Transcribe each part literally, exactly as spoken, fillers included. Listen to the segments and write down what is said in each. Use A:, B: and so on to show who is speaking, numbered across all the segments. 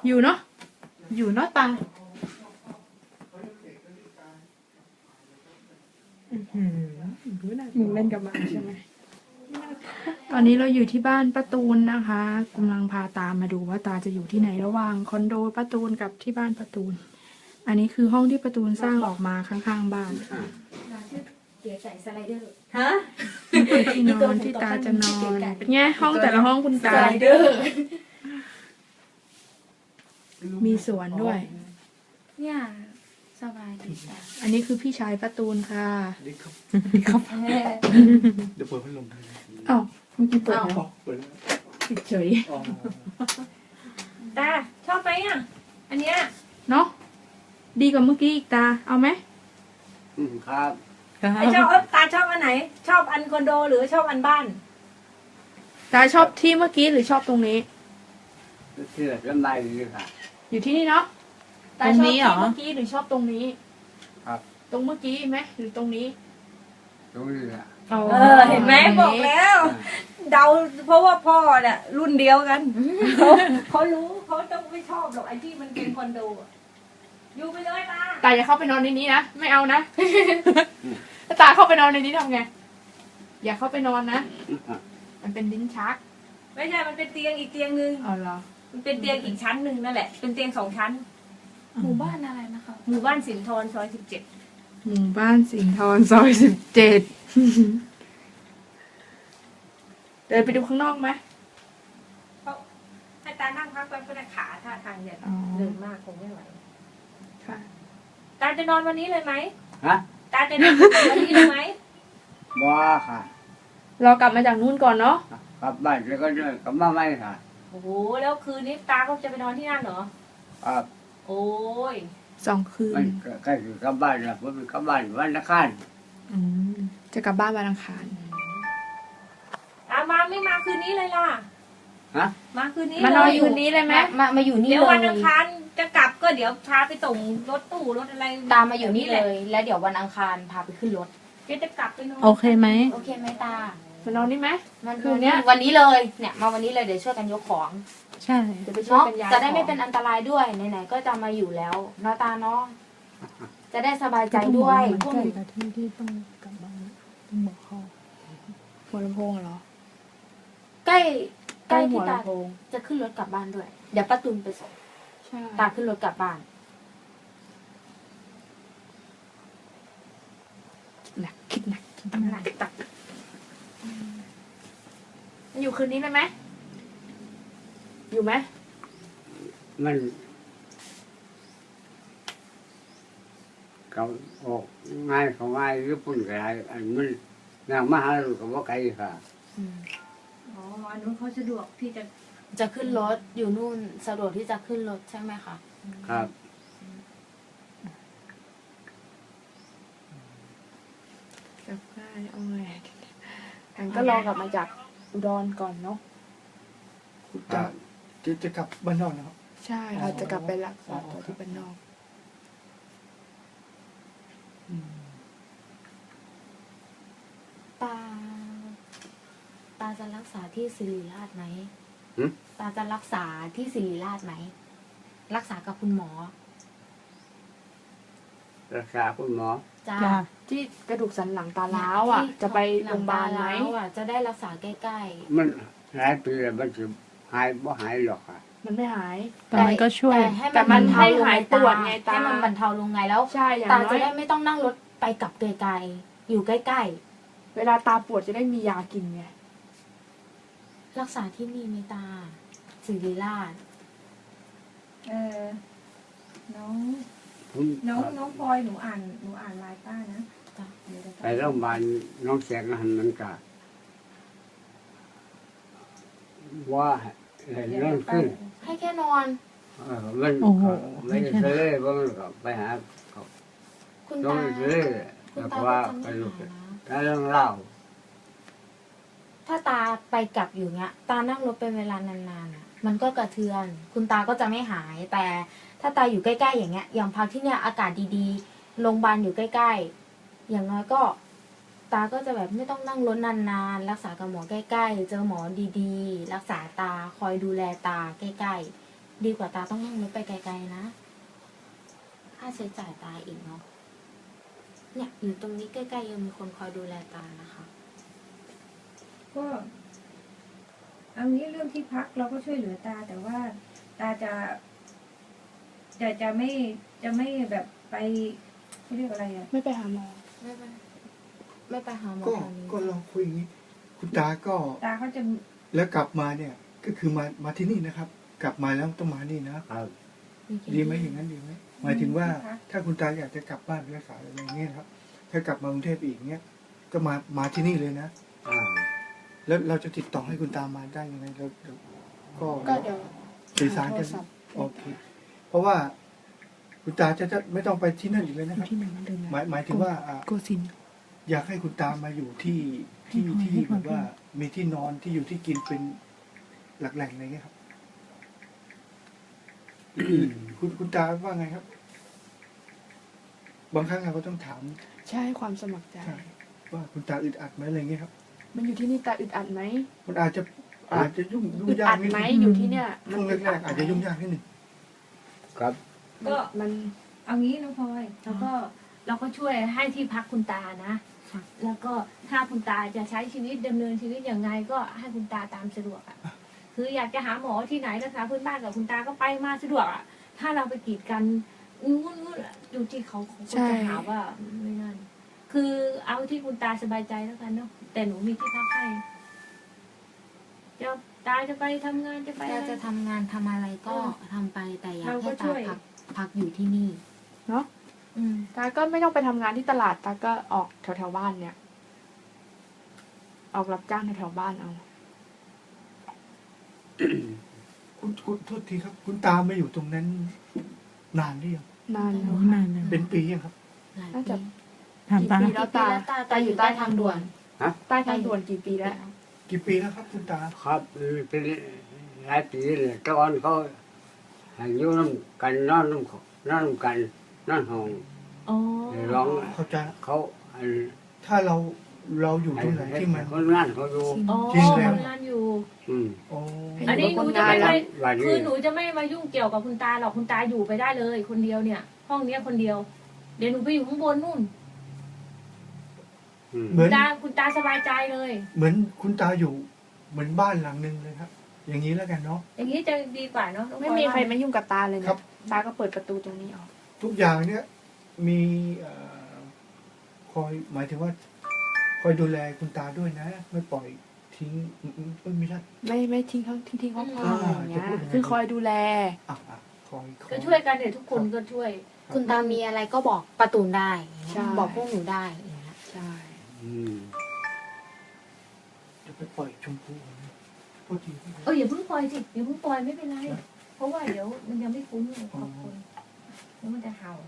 A: อยู่เนาะอยู่เนาะตามึงเล่นกับมันใช่ไหมตอนนี้เราอยู่ที่บ้านป้าตูนนะคะกำลังพาตามาดูว่าตาจะอยู่ที่ไหนระหว่างคอนโดป้าตูนกับที่บ้านป้าตูนอันนี้คือห้องที่ป้าตูนสร้างออกมาข้างๆบ้าน
B: เก๋ใส่สไลเดอร์
C: ฮะ
A: ที่นอนที่ตาจะนอนเป็นไงห้องแต่ละห้องคุณตา
C: สไลเดอร์
A: มีสวนด้วย
B: เนี่ยสบายดีจ้ะ
A: อันนี้คือพี่ชายป้าตูนค่ะ
D: ดีครับ
A: ครับ
D: เดี๋ยวเปิดพัดลมให้
A: อ้าวเมื่อกี้เปิดแล้ว
D: อ๋อเปิดแล้ว
A: ปิดเฉย
D: อ๋อ
C: ตาชอบไหมอ่ะอันเนี้ย
A: เนาะดีกว่าเมื่อกี้อีกตาเอาไหม
D: อืมครับ
C: ไอชอบเอ้ยตาชอบอันไหน ชอบอันคอนโดหรือชอบอันบ้าน
A: ตาชอบที่เมื่อกี้หรือชอบตรงนี้
D: ที่ไหนก็ได้เลยค่ะ
A: อยู่ที่นี่เนาะตาชอบที่เมื่อกี้หรือชอบตรงนี้
D: ครับ
A: ตรงเมื่อกี้ไหมหรือตรงนี้
D: ตรงนี้แหละ
A: อ๋อ
C: เออเห็นไหมบอกแล้ว เดาเพราะว่าพ่อเนี่ยรุ่นเดียวกันเขาเขารู้เขาต้องไม่ชอบหรอกไอ้ที่มันเป็นคอนโดอะอยู่ไปเลยตา
A: ตาอย่าเข้าไปนอนในนี้นะไม่เอานะ ถ้าตาเข้าไปนอนในนี้ทำไงอย่าเข้าไปนอนนะมันเป็นลิ้นชัก
C: ไม่ใช่มันเป็นเตียงอีกเตียงหนึ่ง
A: เอาเหรอ
C: มันเป็นเตียงอีกชั้นหนึ่งนั่นแหละเป็นเตียงสองชั้น
B: หมู่บ้านอะไรนะคะ
C: หมู่บ้านสินทรซอยสิบเจ็ด
A: หมู่บ้านสิงห์ทรซอยสิบเจ็ดเดินไปดูข้างนอกไหม
C: ให้ตานั่งพักแป๊บก็ได้ขาท่าทางเนี่ย
A: อ๋อ
C: เดินมากคงไม่ไหว
A: ค่ะ
C: ตาจะนอนวันนี้เลยไหม
D: ฮะ
C: ตาจะนอนวันนี้เลยไหม
D: บ้าค่ะ
A: เรากลับมาจากนู่นก่อนเนาะ
D: กลับบ้านแล้วก็เดินกลับมาไม่ค่ะ
C: โอ้โหแล้วคืนนี้ตาก็จะไปนอนที่นั่นเหรอ
D: ครับ
C: โอ้ย
A: สองคื
D: มัน นใกล้ๆกลับบ้านแล้วผมกลับบ้านวันละคัน
A: อืมจะกลับบ้านวันอังคาร
C: ตามาไม่มาคืนนี้เลยล่ะ
D: ฮะ
C: มาคืนนี้
A: มานอน
C: เลย
A: คืนนี้เลยไหม
B: มามาอยู่นี่
C: เดี๋ยว
B: เล
C: วัน
B: ย
C: อังคารจะกลับก็เดี๋ยวพาไปส่งรถตู้รถอะไร
B: ตามมาอยู่นี่เลย แล้วเดี๋ยววันอังคารพาไปขึ้นรถ
C: เดี๋ยวจะกลับไปนอน
A: โอเคไหม
B: โอเคไหมตาม
A: านอนนี่ไหม
B: มัน
A: คืนเนี้ย
B: วันนี้เลย เนี่ยมาวันนี้เลยเดี๋ยวช่วยกันยกของ
A: ใช่เดี๋ยวไปช่วย
B: เนาะ
A: กันย้าย
B: จะได้ไม่
A: ของ
B: เป็นอันตรายด้วยไหนๆก็จะมาอยู่แล้วเนาะตาเนาะจะได้สบายใจด้วยพวก
A: ใกล้กับที่ที่ต้องกลับบ้านต้องบอกเขาหัวลำโพงเหรอ
B: ใกล้
A: ใกล้
B: ที่
A: หัว
B: ตา
A: ลำโพง
B: จะขึ้นรถกลับบ้านด้วย เดี๋ยวป้าตุนไปส่ง
A: ใช่
B: ตาขึ้นรถกลับบ้าน
A: หนักคิดหนักคิดหนักตักอยู่คืนนี้เลยไหมอยู่ไหม
D: มันเขาออกง่ายเขาง่ายหรือปุ่นกระไรอันมันนางมหาลูกกับว่าไกลค่ะ
C: อ๋ออันนู้นเขาสะดวกที่จะ
B: จะขึ้นรถอยู่นู่นสะดวกที่จะขึ้นรถใช่ไหมคะ
D: ครับ
A: กลับได้เอาไงฉันก็รอกลับมาจากอุดรก่อนเนาะ
D: ครั
A: จะ
D: บ
E: จะจะกลับบ้านนอกนะครับ
A: ใช่เราจะกลับไปรักษาตัวที่บ้านนอก
B: ตา ตาจะรักษาที่ศิริราชไหม
D: หึ
B: ตาจะรักษาที่ศิริราชไหม รักษากับคุณหมอ
D: รักษาคุณหมอ
B: จ้า
A: ที่กระดูกสันหลังตาล้าวอ่ะ จะไปโรงพยาบาลไหม
B: ลังตล้วอะจะได้รักษาใกล้
D: มันหลายปีแล้วมันจะหายบ่หายหรอกค่ะ
A: มันไม่หาย
B: ๆ
A: แต่มันก็ช่วย
B: แต่ให้
A: แต่
B: มัน
A: มั
B: บร
A: น
B: รเทา
A: ให้
B: ลง
A: หาย
B: ไง
A: ปวดไงตา
B: ให้มันบรรเทาลงไงแล้ว
A: ใช่อย่าง
B: ตา
A: น้อ
B: จะ
A: ย
B: ได้ไม่ต้องนั่งรถไปกลับไกลๆอยู่ใกล้
A: เวลาตาปวดจะได้มียากินไง
B: ๆ รักษาที่นี่มีตาศิริราช
C: เออน้อง
D: ผม
C: น้องน้องพลอยหนูอ่านหนูอ่านไลน์ป้านะ
B: จ้ะ
C: เดี๋ยวจะ
D: ไปโรงพยาบาลน้องแสงหันมันก็ว่าเห็นเรื่องขึ้น
B: ให้แค่นอน
D: เออมันก็ไม่ได้เสลยเพราะมันก็ไปหาเขา
B: คุณ
D: ต้อง
B: ตา
D: เสลย
B: คุณ
D: แล้ว
B: ตา
D: ก็
B: ก็
D: ว่า
B: จะ
D: ไป
B: ไม่
D: ลูก
B: หายนะ
D: ถ้าเรื่องเล่า
B: ถ้าตาไปกลับอยู่เงี้ย ตานั่งรถเป็นเวลานานๆอ่ะ มันก็กระเทือน คุณตาก็จะไม่หาย แต่ถ้าตาอยู่ใกล้ๆอย่างเงี้ย อย่างพักที่เนี่ยอากาศดีๆ โรงพยาบาลอยู่ใกล้ๆ อย่างน้อยก็ ตาก็จะแบบไม่ต้องนั่งรถนานๆ รักษากับหมอใกล้ๆ เจอหมอดีๆ รักษาตา คอยดูแลตาใกล้ๆดีกว่าตาต้องนั่งรถไปไกลๆนะค่าใช้จ่ายตาอีกเนาะเนี่ยอยู่ตรงนี้ใกล้ๆยังมีคนคอยดูแลตานะคะ
C: ก็เอางี้เรื่องที่พักเราก็ช่วยเหลือตา แต่ว่าตาจะ จะจะไม่จะไม่แบบไปเขาเรียกอะไรอ่ะ
A: ไม่ไปหาหมอ
B: ไม่ไปไม่ไปหาหมอ
E: ก็
B: ตอนนี้
E: ก็ลองคุยอย่างนี้ คุณตาก็
C: ตาเขาจะ
E: แล้วกลับมาเนี่ย ก็คือมามาที่นี่นะครับ กลับมาแล้วต้องมานี่นะครับ ดีไหมอย่างนั้นดีไหมหมายถึงว่า ถ้าคุณตาอยากจะกลับบ้านไปรักษาอะไรอย่างเงี้ยครับ ถ้ากลับมากรุงเทพอีกเนี้ยก็มามาที่นี่เลยนะ
D: อ่า
E: แล้วเราจะติดต่อให้คุณตามาได้ยังไงเราเราก็
A: ก็เดี๋ยว
E: สื่อสารกัน
A: โทศัพท์
E: โอเค เพราะว่าคุณตาจะจะไม่ต้องไปที่นั่นอีกเลยนะ
A: อ
E: ค
A: ยู่
E: รับ
A: ที่ไหนมันเดิม
E: หมายหมายถึงว่าอ่า
A: โกสินทร์
E: อยากให้คุณตามาอยู่ที่ที่
A: ให้
E: ที่
A: พรให้พร
E: แบบว่า มีที่นอนที่อยู่ที่กินเป็นหลักแหล่งอะไรเงี้ยครับคุณคุณตาว่าไงครับ บางครั้งเราก็ต้องถาม
A: ใช่ความสมัครใจ
E: ใช่ว่าคุณตาอึดอัดไหมอะไรเงี้ยครับ
A: มันอยู่ที่นี่ตาอึดอัดไหม
E: มันอาจจะอาจจะยุ่งยุ่ง
A: อึด
E: ยา
A: อั
E: ก
A: ด
E: นิด
A: ไหม
E: นึง
A: อยู่ที่เนี่ย
E: ช่วงแรกๆอาจจะยุ่งยากนิดนึง
D: ครับ
C: ก็
A: มัน
C: เอางี้น้องพลอยแล้วก็เราก็ช่วยให้ที่พักคุณตานะ
B: ค่ะ
C: แล้วก็ถ้าคุณตาจะใช้ชีวิตดำเนินชีวิตอย่างไงก็ให้คุณตาตามสะดวกอ่ะ คืออยากจะหาหมอที่ไหนรักษาพื้นบ้านกับคุณตาก็ไปมาสะดวกอ่ะ ถ้าเราไปกีดกันนู้นนู้นอยู่ที่เขาเขาก็จะหาว่าไม่นั่น คือเอาที่คุณตาสบายใจแล้วกันเนาะ แต่หนูมีที่พักให้จะตาจะไปทำงานจะไป
B: ตา
C: อะไร
B: จะทำงานทำอะไรก็ทำไปแต่อยาก
C: เราก็
B: ให้
C: ช่
B: ตา
C: วย
B: พักพักอยู่ที่นี่
A: เนาะ
B: อืม
A: ตาก็ไม่ต้องไปทำงานที่ตลาดตาก็ออกแถวแถวๆบ้านเนี่ย ออกรับจ้างแถวแถวๆบ้านเอา
E: คุณคุณโทษทีครับ คุณตามาอยู่ตรงนั้น นานหรือยัง
A: นานแล้ว
F: โอ้
A: ค่ะ
F: นานแล้ว
E: เป็นปียังครับ
B: หลาย
A: น่าจะ
B: ปี
F: ถามตา
A: กี่ปีแล้วตา
B: กี่ปีแล้วตา
A: ตาอยู่ใต้ทางด่วน
D: ฮะ
A: ใต้ทางด่วนกี่ปีแล้ว
E: กี่ปีแล้วครับ คุณตา
D: ครับเป็นหลายปีเลยแตะวันเขาให้อยู่น้ำกันนอนน้ำเขานอนน้ำกันนอนห้อง
C: อ๋อ
D: ร้อง
E: เข้าใจละ
D: เขาอัน
E: ถ้าเราเราอยู่ตรงไหนที่มัน
D: คนงานเขาอยู่
C: อ๋อ
E: จริงแล้ว
C: ทำงานอยู่
D: อืม
E: โอ้
C: อันนี้หนูจะไม่
A: ให้
C: ไป
A: อยู่กับคนงาน
D: วันนี้
C: คือหนูจะไม่มายุ่งเกี่ยวกับคุณตาหรอกคุณตาอยู่ไปได้เลย คนเดียวเนี่ย ห้องเนี้ยคนเดียว เดี๋ยวหนูไปอยู่ข้างบนนู่น
D: อืม
E: เหมื
C: คุ
E: อน
C: ณตาคุณตาสบายใจเลย
E: เหมือนคุณตาอยู่ เหมือนบ้านหลังหนึ่งเลยครับ อย่างนี้แล้วกันเนาะ
C: อย่างนี้จะดีกว่าเนาะน้อง
A: ไม่
C: พลอย
A: มี
C: ว่า
A: ใครมายุ่งกับตาเลย
E: ครั
A: เนี่ย
E: บ
A: ตาก็เปิดประตูตรงนี้ออก
E: ทุกอย่างเนี่ยมีเอ่อคอยหมายถึงว่า คอยดูแลคุณตาด้วยนะ ไม่ปล่อยทิ้งอืมอืมเอ้ยไม่ใช่
A: ไม่ไม่ทิ้งเขาทิ้งทิ้งเขาพอ
E: อ่า
A: อะไรอย่างเงี้ย
E: จะพูดยังไง
A: คือคอยดูแล
E: อ่ะอ่ะคอยคอ
C: ก็ช่วยกันเดี๋ยวทุกคนก็ช่วย
B: คุณตามีอะไรก็บอกประตูนได้อย่างเงี้ย
A: ใช่
B: บอกพวกหนูได้อย่างเงี้ย
A: ใช่
D: อืม
E: จะไปปล่อยชมพูนะโทษที
C: เอออย่าเพิ่งปล่อยสิอย่าเพิ่งปล่อยไม่เป็นไร เพราะว่าเดี๋ยวมันยังไม่คุ้นกับคนแล้วมันจะเห่า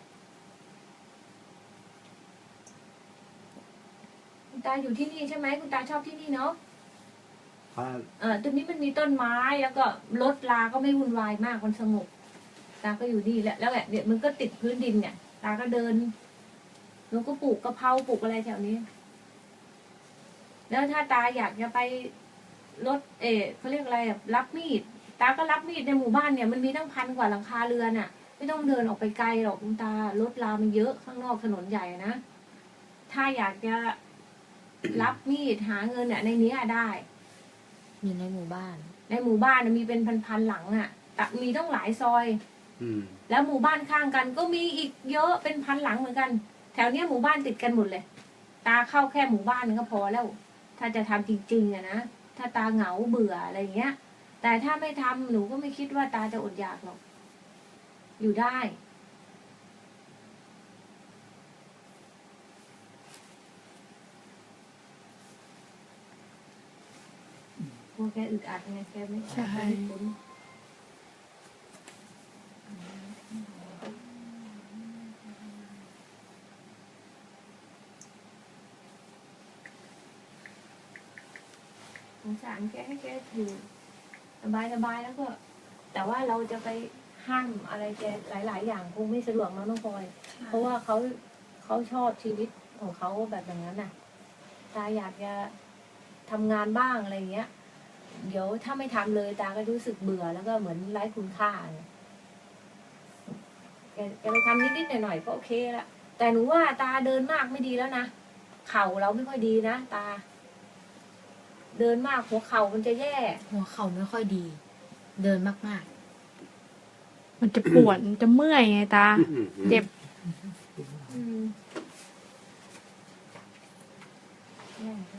C: คุณตาอยู่ที่นี่ใช่ไหมคุณตาชอบที่นี่เนาะ
D: ครับ
C: เออตรงนี้มันมีต้นไม้แล้วก็รถลาก็ไม่วุ่นวายมากมันสงบตาก็อยู่นี่แหละแล้วแหละเนี่ยมันก็ติดพื้นดินเนี่ย ตาก็เดินหนูก็ปลูกกะเพราปลูกอะไรแถวนี้ แล้วถ้าตาอยากจะไปรถเออเขาเรียกอะไรอะรับมีด ตาก็รับมีดในหมู่บ้านเนี่ยมันมีตั้งพันกว่าหลังคาเรือนอ่ะ ไม่ต้องเดินออกไปไกลหรอกคุณตารถลามันเยอะข้างนอกถนนใหญ่นะถ้าอยากจะรับมีดหาเงินเนี่ยในนี้อะได้
B: มีในหมู่บ้าน
C: ในหมู่บ้านน่ะมีเป็นพันๆหลังอ่ะแต่มีต้องหลายซอย
D: อืม
C: แล้วหมู่บ้านข้างกันก็มีอีกเยอะเป็นพันหลังเหมือนกัน แถวเนี้ยหมู่บ้านติดกันหมดเลย ตาเข้าแค่หมู่บ้านนึงก็พอแล้ว ถ้าจะทำจริงๆอะนะถ้าตาเหงาเบื่ออะไรอย่างเงี้ย แต่ถ้าไม่ทำหนูก็ไม่คิดว่าตาจะอดอยากหรอก อยู่ได้กลัวแกอึดอัดไงแกไม่
A: ใช่
C: ไม่คุ้นสงสารแกให้แกอยู่สบายสบายๆแล้วก็ แต่ว่าเราจะไปห้ามอะไรแกหลาย ๆ อย่างคงไม่สะดวกมั้งน้องพลอย เพราะว่าเขาเขาชอบชีวิตของเขาแบบอย่างนั้นน่ะตาอยากจะทำงานบ้างอะไรอย่างเงี้ยเดี๋ยวถ้าไม่ทำเลยตาก็รู้สึกเบื่อแล้วก็เหมือนไร้คุณค่าเนี่ยแกแกไปทำนิดๆหน่อยๆก็โอเคละแต่หนูว่าตาเดินมากไม่ดีแล้วนะเข่าเราไม่ค่อยดีนะตา เดินมากหัวเข่ามันจะแย่
B: หัวเข่าไม่ค่อยดี เดินมาก
A: มันจะปวดมันจะเมื่อยไงตา เจ็บ
C: อืมแย่